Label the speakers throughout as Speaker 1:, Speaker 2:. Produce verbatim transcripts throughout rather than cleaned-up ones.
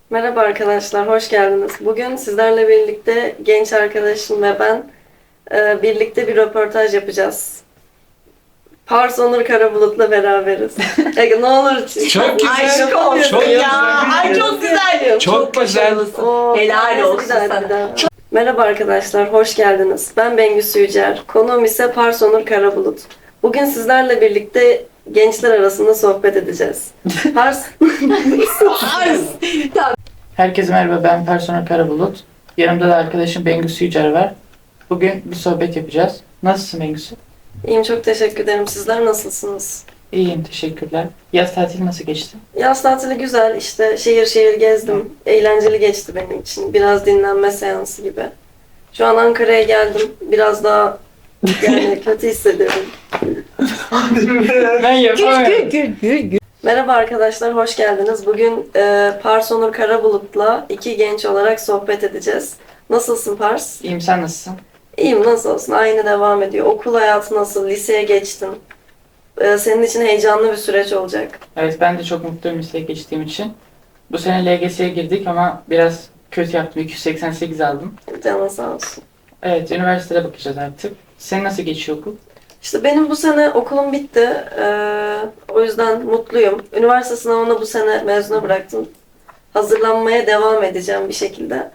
Speaker 1: Merhaba arkadaşlar, hoş geldiniz. Bugün sizlerle birlikte genç arkadaşım ve ben e, birlikte bir röportaj yapacağız. Pars Onur Karabulut'la beraberiz. Ege, ne olur.
Speaker 2: Çok güzel.
Speaker 1: Aşık
Speaker 2: Çok
Speaker 1: olsun
Speaker 2: güzel.
Speaker 1: ya.
Speaker 3: Ay çok güzel.
Speaker 2: Çok güzel.
Speaker 3: başarılısın.
Speaker 1: Oo,
Speaker 3: Helal
Speaker 1: neyse,
Speaker 3: olsun
Speaker 1: bir daha,
Speaker 3: sana.
Speaker 1: bir daha. Merhaba arkadaşlar, hoş geldiniz. Ben Bengüsü Yücer. Konuğum ise Pars Onur Karabulut. Bugün sizlerle birlikte gençler arasında sohbet edeceğiz. Pars...
Speaker 3: Pars.
Speaker 4: Herkese merhaba, ben Personel Karabulut. Yanımda da arkadaşım Bengüsü Yücer var. Bugün bir sohbet yapacağız. Nasılsın Bengüsü?
Speaker 1: İyiyim, çok teşekkür ederim. Sizler nasılsınız?
Speaker 4: İyiyim, teşekkürler. Yaz tatili nasıl geçti?
Speaker 1: Yaz tatili güzel. İşte şehir şehir gezdim. Eğlenceli geçti benim için. Biraz dinlenme seansı gibi. Şu an Ankara'ya geldim. Biraz daha yani kötü hissediyorum.
Speaker 4: Ben yapamıyorum.
Speaker 3: Gül gül gül.
Speaker 1: Merhaba arkadaşlar, hoş geldiniz. Bugün e, Pars Onur Karabulut'la iki genç olarak sohbet edeceğiz. Nasılsın Pars?
Speaker 4: İyiyim, sen nasılsın?
Speaker 1: İyiyim, nasıl olsun? Aynı devam ediyor. Okul hayatı nasıl? Liseye geçtin. E, senin için heyecanlı bir süreç olacak.
Speaker 4: Evet, ben de çok mutluyum liseye geçtiğim için. Bu sene L G S'ye girdik ama biraz kötü yaptım. iki yüz seksen sekiz aldım.
Speaker 1: Canın sağ olsun.
Speaker 4: Evet, üniversitede bakacağız artık. Senin nasıl geçiyor okul?
Speaker 1: İşte benim bu sene okulum bitti. Ee, o yüzden mutluyum. Üniversite sınavını bu sene mezuna bıraktım. Hazırlanmaya devam edeceğim bir şekilde.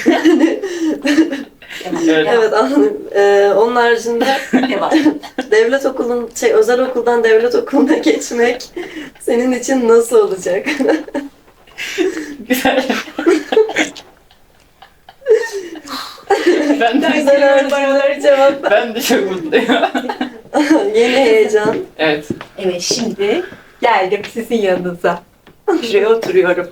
Speaker 4: Evet.
Speaker 1: Evet, anladım. Ee, onun haricinde
Speaker 3: Ne var?
Speaker 1: devlet okulun, şey, özel okuldan devlet okuluna geçmek senin için nasıl olacak?
Speaker 4: Güzel. ben de,
Speaker 1: Güzel haricinde cevap.
Speaker 4: ben de çok mutluyum.
Speaker 1: Yeni heyecan.
Speaker 4: Evet.
Speaker 3: Evet şimdi geldim sizin yanınıza. Şuraya oturuyorum.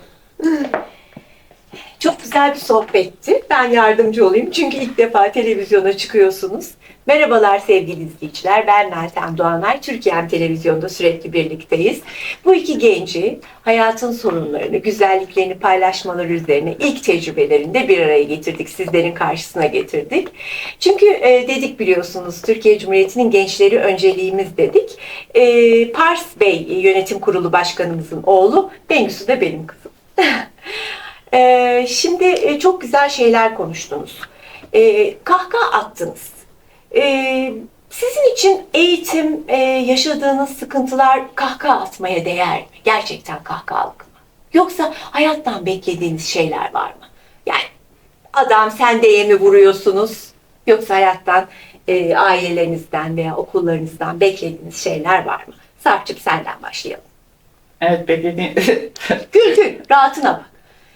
Speaker 3: Çok güzel bir sohbetti. Ben yardımcı olayım çünkü ilk defa televizyona çıkıyorsunuz. Merhabalar sevgili izleyiciler. Ben Meltem Doğanay. Türkiye'm Televizyon'da sürekli birlikteyiz. Bu iki genci hayatın sorunlarını, güzelliklerini paylaşmaları üzerine ilk tecrübelerinde bir araya getirdik. Sizlerin karşısına getirdik. Çünkü e, dedik biliyorsunuz Türkiye Cumhuriyeti'nin gençleri önceliğimiz dedik. E, Pars Bey yönetim kurulu başkanımızın oğlu, Bengüsü de benim kızım. Ee, şimdi e, çok güzel şeyler konuştunuz. Ee, kahkaha attınız. Ee, sizin için eğitim, e, yaşadığınız sıkıntılar kahkaha atmaya değer mi? Gerçekten kahkahalık mı? Yoksa hayattan beklediğiniz şeyler var mı? Yani adam sen diye mi vuruyorsunuz? Yoksa hayattan, e, ailelerinizden veya okullarınızdan beklediğiniz şeyler var mı? Sarp'cığım senden başlayalım.
Speaker 4: Evet, beklediğin...
Speaker 3: Gül gül, rahatına bak.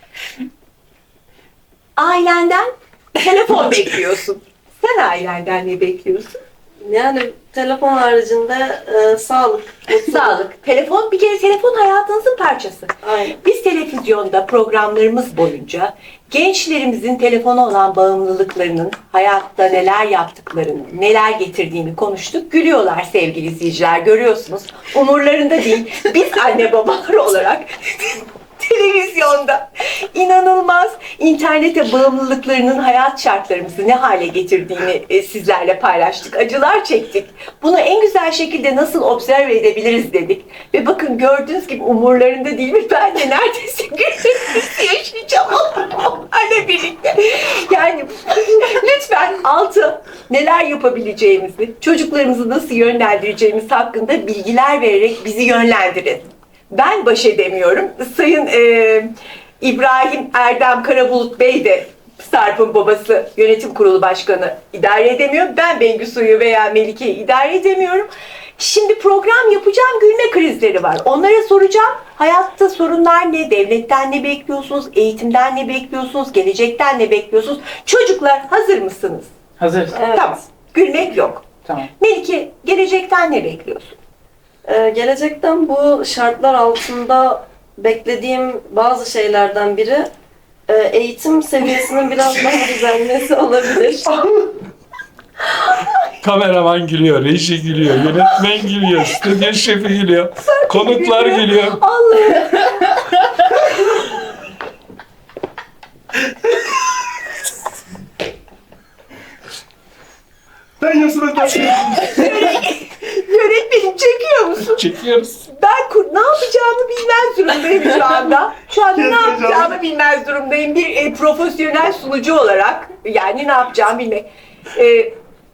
Speaker 3: Ailenden telefon bekliyorsun. Sen ailenden ne bekliyorsun?
Speaker 1: Yani telefon haricinde e, sağlık.
Speaker 3: Sağlık. Telefon, bir kere telefon hayatınızın parçası.
Speaker 1: Aynen.
Speaker 3: Biz televizyonda programlarımız boyunca gençlerimizin telefona olan bağımlılıklarının, hayatta neler yaptıklarını, neler getirdiğini konuştuk. Gülüyorlar sevgili izleyiciler, görüyorsunuz. Umurlarında değil. Biz anne babalar olarak televizyonda inanılmaz internete bağımlılıklarının hayat şartlarımızı ne hale getirdiğini e, sizlerle paylaştık. Acılar çektik. Bunu en güzel şekilde nasıl observe edebiliriz dedik. Ve bakın gördüğünüz gibi umurlarında değil mi? Ben de neredeyse günlerimizi yaşayacağım onlarla birlikte. Yani lütfen altı neler yapabileceğimizi, çocuklarımızı nasıl yönlendireceğimiz hakkında bilgiler vererek bizi yönlendirin. Ben baş edemiyorum. Sayın e, İbrahim Erdem Karabulut Bey de Sarp'ın babası yönetim kurulu başkanı idare edemiyor. Ben Bengüsu'yu veya Melike'yi idare edemiyorum. Şimdi program yapacağım, gülme krizleri var. Onlara soracağım. Hayatta sorunlar ne? Devletten ne bekliyorsunuz? Eğitimden ne bekliyorsunuz? Gelecekten ne bekliyorsunuz? Çocuklar hazır mısınız?
Speaker 4: Hazırız.
Speaker 1: Evet.
Speaker 3: Tamam. Gülmek yok.
Speaker 4: Tamam.
Speaker 3: Melike, gelecekten ne bekliyorsun?
Speaker 1: Ee, gelecekten bu şartlar altında beklediğim bazı şeylerden biri e, eğitim seviyesinin biraz daha düzelmesi olabilir.
Speaker 2: Kameraman gülüyor, reji gülüyor, yönetmen gülüyor, stüdyo şefi gülüyor, konuklar gülüyor.
Speaker 3: Allah'ım.
Speaker 2: Ben yazılı
Speaker 3: Yönetmenim çekiyor musun?
Speaker 2: Çekiyoruz.
Speaker 3: Ben kur, ne yapacağımı bilmez durumdayım şu anda. Şu anda ne yapacağımı bilmez durumdayım. Bir e, profesyonel sunucu olarak yani ne yapacağımı bilmek. E,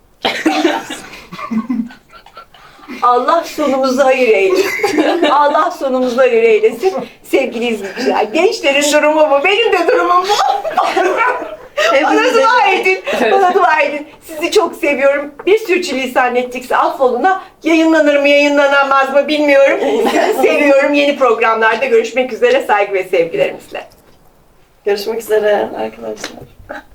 Speaker 3: Allah sonumuzu hayır eylesin. Allah sonumuzu hayır eylesin. Sevgili izleyiciler, gençlerin durumu bu. Benim de durumum bu. Bana dua edin. Bana dua edin. Sizi çok seviyorum. Bir sürçülisan ettikse affoluna. Yayınlanır mı yayınlanamaz mı bilmiyorum. Sizi seviyorum. Yeni programlarda görüşmek üzere. Saygı ve sevgilerimizle.
Speaker 1: Görüşmek üzere arkadaşlar.